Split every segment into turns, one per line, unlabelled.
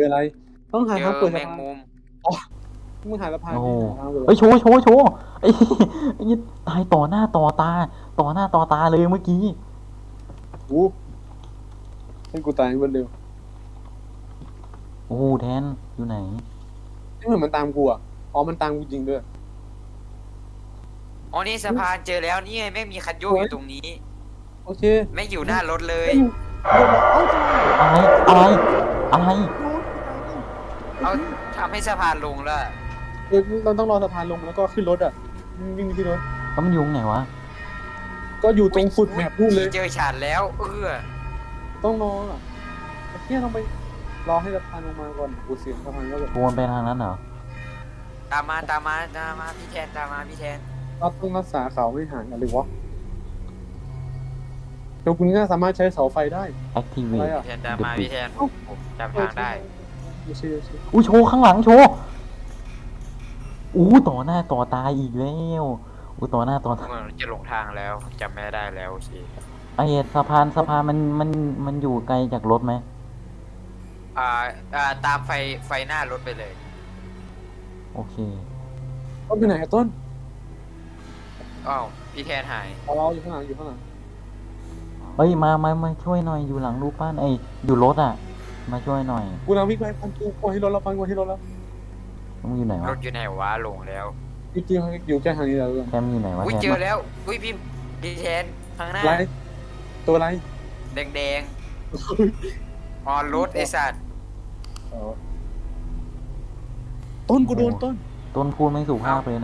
ออะไรต้องหา
เจอ
ทางเปิด
แม
สะพาน
งมุม
อ๋อมึงหาสะพาน
โอ้โห
นี่หาทางเปิด
เฮ้ยโชว์โชว์โชว์ไอ้ไอ้นี่ตายต่อหน้าต่อตาต่อหน้าต่อตาเลยเมื่อกี้
อู้ให้กูตายคนเร็ว
โอ้โหแทนอยู่ไหน
ไม่เหมือนมันตามกูอ่ะอ๋อมันตามกูจริงด้วย
อ๋อนี่สะพานเจอแล้วนี่ไงแม่งมีคันโยกอยู่ตรงนี้
โอเค
แม่งอยู่หน้ารถเลย
เดี๋ยวเอ้า
อะไรอะไร
เอาทำให้สะพานลงแล้ว
เราต้องรอสะพานลงแล้วก็ขึ้นรถอ่ะวิ่งขึ้นรถ
แล้วมันอยู่ตรงไหนวะ
ก็อยู่ตรงสุดแมปนู่นเลย
เจอฉันแล้ว
ต้องรออ่ะไอ้เหี้ยต้องไปรอให้สะพานลงมาก่อนกูเสียงสะพานก็แบบ
โวนไปทางนั้นเหรอ
ตามมาพี่แทนตามมาพี่แทน
เราต้องรักษาเขาให้ห่างกันหรือวะเดี๋ยวคุณก็สามารถใช้เสาไฟได้
activate
อะไรอ่ะ
พี่แทนตามมาพี่แทนผมจำทางได้
ไม่ใช่
อุ้ยโชว์ข้างหลังโชว์อู้ต่อหน้าต่อตาอีกแล้วอู้ต่อหน้าต่อตา
เหมือนจะหลงทางแล้วจำไม่ได้แล้วโอเค
ไอ้สะพานมันอยู่ไกลจากรถไหม
ตามไฟหน้ารถไปเลย
โอเค
ต้นไปไหนอะต้น
อ้าวพี่แทนหาย
เราอยู่ข้างหลังอยู่ข้างหลัง
เฮ้ยมาช่วยหน่อยอยู่หลังรูปปั้นไอ้อยู่รถอ่ะ มาช่วยหน่อย
กูเราวิ่งไปพันกูกลัวที่รถเราพันกลัวที่รถแล้ว
มึงอยู่ไหน
ร
วะ
ถอยู่ไหนวะหลงแล้ว
จริงๆอยู่แค่ทางนี้แหละเพื่อน
แทมอยู่ไหนวะ
อุ้ย
แทม
เจอแล้วอุ้ยพี่แทนข้างหน้า
ไรตัวไร
แดงๆอ๋อรถไอสัตว์
ต้นกูโดนต้น
ต้นพูดไม่สุภาพเลยนะ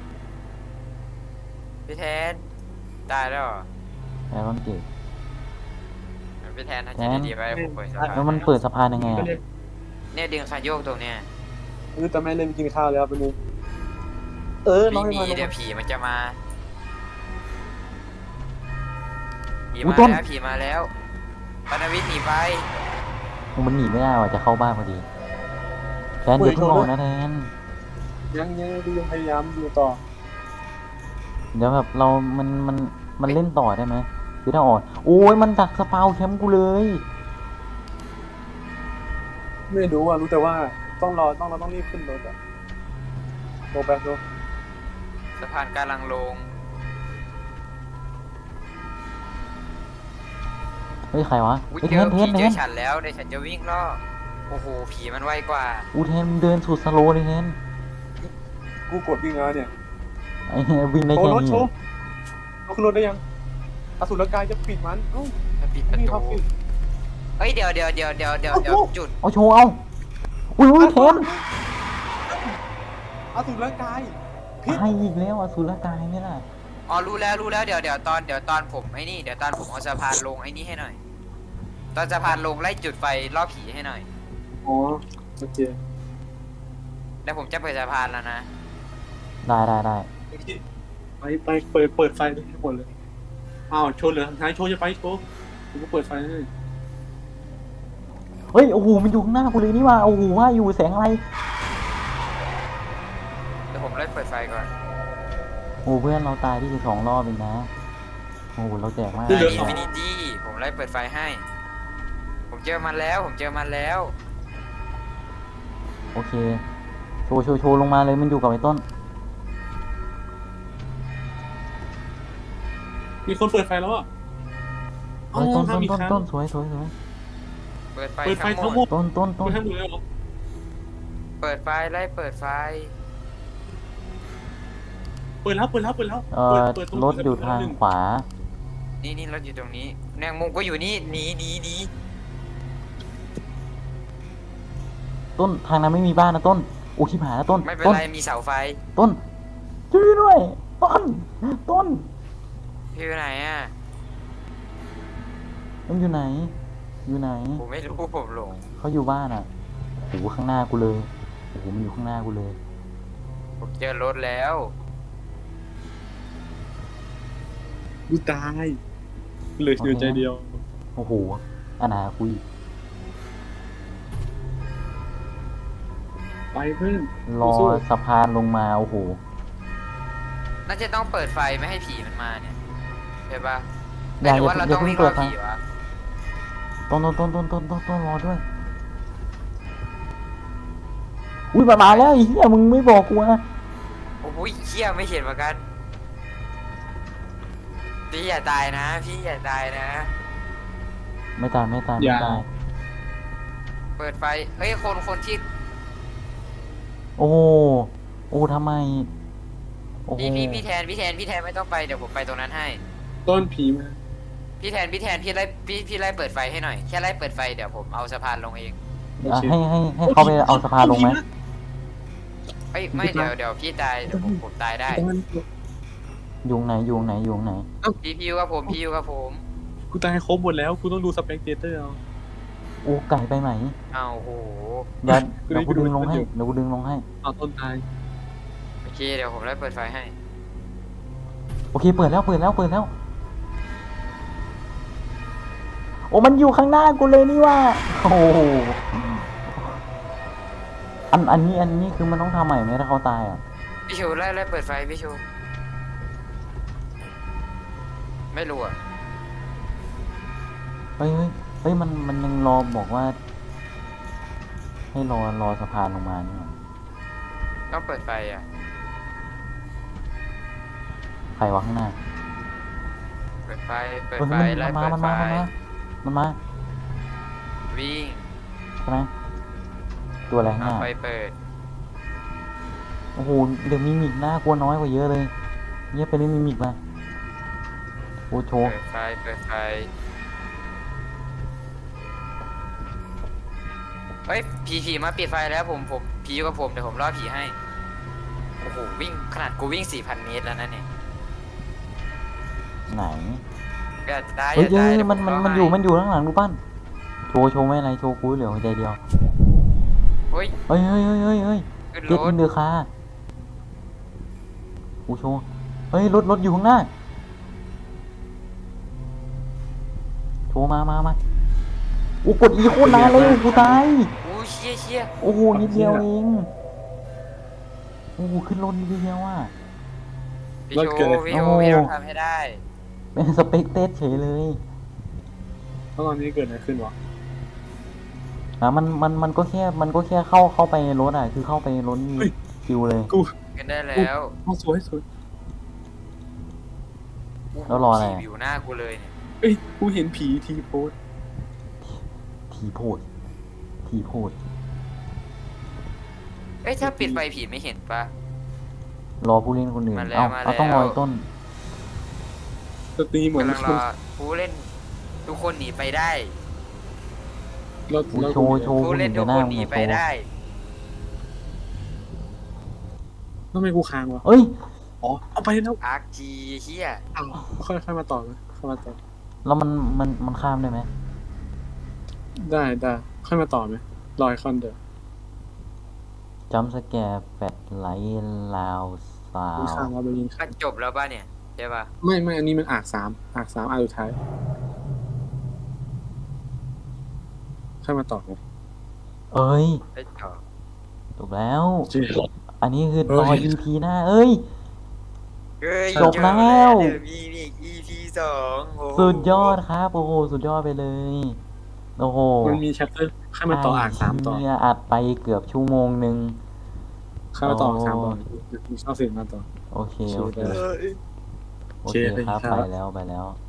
พี่แทนตายแล้วเหรอ
แต่ต้นเก่ง
พี่แทนทำใจดีๆไว้ผมเปิดสะพาน
แล้วมันเปิดสะพานยังไงอะ
เนี่ยดึงคันโยกตรงเนี้ย
แต่แม่เล่นกินข้าวแล้วเป็นนึงน้
วิ่
อง
ง
ให้
หนี
มา
เดี๋ยวผีมันจะมาผี
อุ๊
มาย
ต้น
แล้วผีมาแล้วปานวิทย์หนีไป
มันหนีไม่ได้ว่ะจะเข้าบ้านพอดีแทนอย่าเพิ่งออกนะแทน
ยังพยายามอยู่ต่อ
เดี๋ยวแบบเรามันเล่นต่อได้ไหมคือถ้าออกโอ้ยมันดักสปาวแคมป์กูเลย
ไม่รู้อ่ะรู้แต่ว่าเราต้องรีบขึ้นรถอ่ะโรแบตโร
สะพานกำลังลง
เฮ้ยใครวะ
อุ้ย
เฮ้ย
เจ
แท
อน
แท
ผี
นแท
เจอน ฉันแล้วเดี๋ยวฉันจะวิ่งล่อโอ้โหผีมันไวกว่า
อูแทนมึงเดินสุดสโลว์เลยแทน
กูกดวิ่งแล้วเนี่ย
ไอ้เหี้ยวิ่งได้
โช
แค่
ว์รถ
นี้
โชว์เอาขึ้นรถได้ยังอสูรกายจะปิดมันเอ้า
จะปิดประ
ไม่มี
ตู
ความปิด
เฮ้ยเดี๋ยวจุด
เอาโชว์เอาอุ้ยแทน
อสูรกาย
ตายอีกแล้วอสุรกายนี่ล่ะ
อ๋อรู้แล้วเดี๋ยวตอนผมไอ้นี่เดี๋ยวตอนผมเอาสะพานลงไอ้นี่ให้หน่อยตอนสะพานลงไล่จุดไฟล่อผีให้หน่อย
อ๋อโอเค
แล้วผมจะเปิดสะพานแล้วนะ
ได้
ไปเปิดไฟให้หมดเลยอ้าวโชว์เหลือทางท้ายโชว์จะไปโชว์กูก็เปิดไฟให้
เฮ้ยโอ้โหมันอยู่ข้างหน้ากูเลยนี่ว่าโอ้โหว่าอยู่แสงอะไร
เดี๋ยวผมไล่เปิดไฟก่อน
โอ้เพื่อนเราตายที่12 รอบเองนะโอ้โหเราแจกมาก
ไอ้อินฟินิตี้ผมไล่เปิดไฟให้ ผมเจอมันแล้ว
โอเคโชว์ลงมาเลยมันอยู่กับไอ้ต้น
มีคนเปิดไฟแล้วอ่ะ
เฮ้ยต้นสวย
เปิดไฟ
เปิดไฟ
ทั้
ทั้
ง
ง
ห
ห
ม
ม
ด
ด
ต้น
เปิดทั้งหมดเลยเหรอ
เปิดไฟไล่เปิดไฟ
เปิดแล้วเปิดตรง
รถอยู่ทางขวา
นี่รถอยู่ตรงนี้แมงมุมก็อยู่นี่หนี
ต้นทางนั้นไม่มีบ้านนะต้นโอ้ชิบหายแล้วต้น
ไม่เป็น
ต้น
ไรมีเสาไฟ
ต้นช่วยด้วยต้น
พี่อยู่ไหนอ่ะ
มันอยู่ไหน
ผมไม่รู้ผมหลง
เขาอยู่บ้านอ่ะโอ้โหข้างหน้ากูเลยโอ้โหมันอยู่ข้างหน้ากูเลย
ผมเจอรถแล้ว
กูตายเหลืออยู่ใจเดียว
โอ้โหอนาคุย
ไปเพื่อน
รอสะพานลงมาโอ้โห
น่าจะต้องเปิดไฟไม่ให้ผีมันมาเนี่ยใช่ปะ
อย่า
หรือว่าเรา
อย่า
ต้อง
เพิ่ง
วิ่ง
เปิ
ล่อ
ดไฟ
ผีวะ
ต้นรอด้วยอุ้ยมาแล้วไอ้เหี้ยมึงไม่บอกกูนะ
โอ้ยเชี่ยไม่เห็นเหมือนกันพี่อย่าตายนะพี่อย่าตายนะ
ไม่ตายไม่ตาย
อ
ไม่
ย่า
ตาย
เปิดไฟเฮ้ยคนที่
โอ้โอ้ทำไมโอ้โห
พี่แทนไม่ต้องไปเดี๋ยวผมไปตรงนั้นให้
ต้นผีมา
พี่แทนพี่ไล่เปิดไฟให้หน่อยแค่ไล่เปิดไฟเดี๋ยวผมเอาสะพานลงเอง
อ่ะให้เขาไปเอาสะพานลงไหม
เอ้ยไม่เดี๋ยวพี่ตายเดี๋ยวผมตายได้
ยุงไหนยุงไหนยุงไหน
พี่อยู่กับผม
กูตายครบหมดแล้วกูต้องดูสเปกเตอร์เอา
โอ้ไก่ไปไหน
เอาโห
เดี๋ยวกูดึงลงให้เดี๋ยวกูดึงลงให้
เอาต้นตาย
โอเคเดี๋ยวผมไล่เปิดไฟให้
โอเคเปิดแล้วโอ้มันอยู่ข้างหน้ากูเลยนี่ว่าโอ้โหอันนี้คือมันต้องทำใหม่ไหมถ้าเขาตายอ่ะ
พี่ชูไล่เปิดไฟพี่ชูไม่รู้อ่ะ
เฮ้ยมันยังรอบอกว่า ให้รอสะพานลงมานี่หว่า
ต้องเปิดไฟอ่ะ
ใครวะข้างหน้า
เปิดไฟ
เฮ้ย
ไล่
มัน
เปิดไฟ
มา
วิ่ง
ใช่ไหมตัวอะไรข้างห
เอา
น้า
ไฟเปิด
โอ้โหเดี๋ยวมีมิกหน้ากลัวน้อยกว่าเยอะเลยเงียบไปเล่นมีมิกมาโอ้โชว์
เปิดไฟเฮ้ยผีมาปิดไฟแล้วผมผีอยู่กับผมเดี๋ยวผมล่อผีให้โอ้โหวิ่งขนาดกูวิ่ง 4,000 เมตรแล้วนะเนี่ย
ไหน
อย่าตาย
เฮ้ย
อย่าตาย
เฮ้ย
เดี๋ยว
มัน
ผล่
มัน
ให้
อยู่ข้างหลังดูปั้นโชว์ไม่อะไรโชว์กูเหลือหัวใจเดียว
เฮ้ย
เฮ้ย
ขึ้น
เก็ต
ร
อิ
ถ
นเดอร์คากูโชว์เฮ้ยรถอยู่ข้างหน้าโชว์มาโอ้กดอีโคตรนานเลยกูตาย
โอ้เชี่ย
โอ้โหนิดเดียวเองโอ้โหขึ้นรถนิดเดียวอ่ะ
พี่โชพี่ต้องทำให้ได้
เป็นสเปกเตสเฉยเลย
แล้วตอนนี้เกิดอะไรขึ้นวะ
อ่ะมันก็แค่เข้าไปในรถอ่ะคือเข้าไปในรถนี่คิวเลย
กู
กันได้แล้ว
เอาสวย
แล้วรออะไร
ผีอยู่หน้ากูเลยเนี่ย
เอ้ยกูเห็นผีทีโพส
ทีโพด
เอ้ยถ้าปิดไฟผีไม่เห็นปะ
รอผู้เล่นคนอื่น
มาแล้ว
เอาต้องรอไอ้ต้น
สตรีเหมือน
กำลังรอผู้เล่นทุกคนหนีไปได้
รถ
โชว์
ผู้
ผู้
เล่
เล่
น
น
ทุก
หน้า
คน
มึ
ห
ง
นี
อะ
ไป
โชว์
ได้
ทำไมกูค้างวะ
เอ้ย
อ๋อเอาไปแล้ว
อาร์คจีเฮีย
อ้าวค่อยมาต่อไหมค่อยมาต่อ
แล้วมันข้ามได้ไหม
ได้ค่อยมาต่อไหมรอยคอนเดอร์
จัมสแกร์แฟดไลท์ลาวสา
กู
ว
ค้างว่าไปยิง
ก็จบแล้วป่ะเนี่ยใช่ป่ะ
ไม่อันนี้มันอากสามอากสุดท้ายค่อยมาต่อไหม
เอ้ย
ได้จบ
จบแล้ว
จริง
อันนี้คือรอ
เอ้ย
EP หน้าเอ้ย
เฮ้ย
จบแล้ว
เดี๋ยวมีอีก EP 2โอ้โห
สุดยอดครับโอ้โหสุดยอดไปเลยโอ้โห
มันมีแชปเตอร์ค่อยมาต่ออากสามต่อ
เนี่ยอัดไปเกือบชั่วโมงหนึ่ง
ค่อยมาต่ออากสามต่อมีชอบเสียงมาต่อ
โอเค
โอเค
โอเค
ได้
โอเคครับ
โอเคครับ
ไปแล้ว